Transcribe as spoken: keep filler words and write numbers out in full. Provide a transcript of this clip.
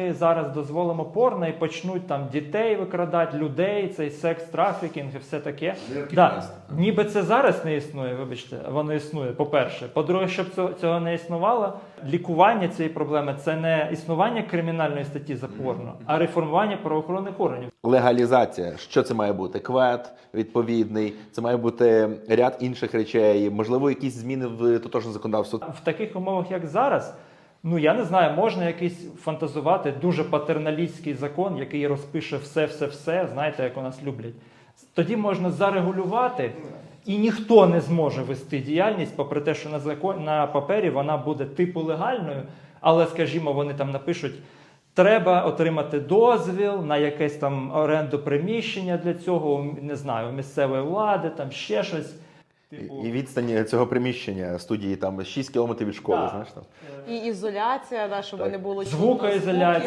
ми зараз дозволимо порно і почнуть там дітей викрадати, людей, цей секс-трафікінг і все таке. Да. Ніби це зараз не існує, вибачте, воно існує, по-перше. По-друге, щоб цього, цього не існувало, лікування цієї проблеми – це не існування кримінальної статті за порно, а реформування правоохоронних органів. Легалізація. Що це має бути? Квет відповідний, це має бути ряд інших речей, можливо, якісь зміни в тотожне законодавство. В таких умовах, як зараз, ну, я не знаю, можна якийсь фантазувати дуже патерналістський закон, який розпише все-все-все, знаєте, як у нас люблять. Тоді можна зарегулювати, і ніхто не зможе вести діяльність, попри те, що на, закон, на папері вона буде типу легальною, але, скажімо, вони там напишуть, треба отримати дозвіл на якесь там оренду приміщення для цього, не знаю, у місцевої влади, там ще щось. Типу... І відстань цього приміщення студії там шість кілометрів від школи, да. знаєш там. І ізоляція, да, щоб Так. не було Звукоізоляція.